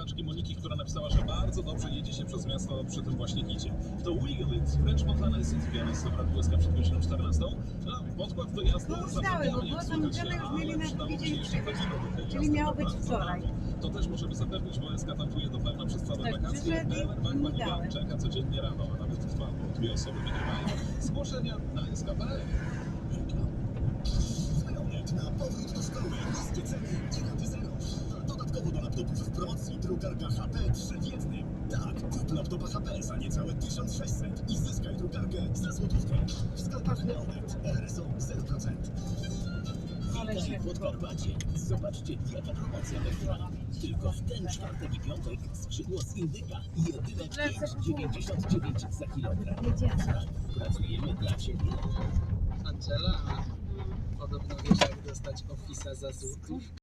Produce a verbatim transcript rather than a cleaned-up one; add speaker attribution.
Speaker 1: znaczki Moniki, która napisała, że bardzo dobrze jedzie się przez miasto przy tym właśnie hicie. To Wiggles, French Montana i City Piano, Dobra Błyska przed godziną czternastą. No, podkład do jazdy
Speaker 2: No
Speaker 1: zapewniamy,
Speaker 2: ustały, bo
Speaker 1: jak
Speaker 2: było
Speaker 1: słychać,
Speaker 2: zamówione już mieli
Speaker 1: ale
Speaker 2: na
Speaker 1: przydałoby się
Speaker 2: tydzień
Speaker 1: jeszcze
Speaker 2: przywieźć,
Speaker 1: godziny do tej
Speaker 2: czyli
Speaker 1: jazdy
Speaker 2: miało być
Speaker 1: bardzo
Speaker 2: wczoraj.
Speaker 1: rano. To też możemy zapewnić, bo S K tankuje do pełna przez całe
Speaker 2: Tak,
Speaker 1: wakacje.
Speaker 2: przyszedł i
Speaker 1: Pełen bank
Speaker 2: mi
Speaker 1: Pani
Speaker 2: dałem.
Speaker 1: Bank czeka codziennie rano, a nawet dwa, bo dwie osoby wygrywają. Zgłoszenia na S K kropka p l.
Speaker 3: Wyronek na powrót do szkoły. Niskie ceny i raty zero. Dodatkowo do laptopów w promocji drukarka H P trzy w jednym. Tak, kup laptopa H P za niecałe tysiąc sześćset i zyskaj drukarkę za złotówkę. W sklepach Neonet R S O zero procent.
Speaker 2: Ale
Speaker 3: Witaj
Speaker 2: się
Speaker 3: w Podkarpacie. Zobaczcie, jaka promocja wyszła. Tylko w ten czwartek i piątek skrzydło z indyka jedyne pięć dziewięćdziesiąt dziewięć za kilogram. Tak, pracujemy dla Ciebie.
Speaker 4: Angela, podobno wiesz jak dostać ofisa za złotówkę.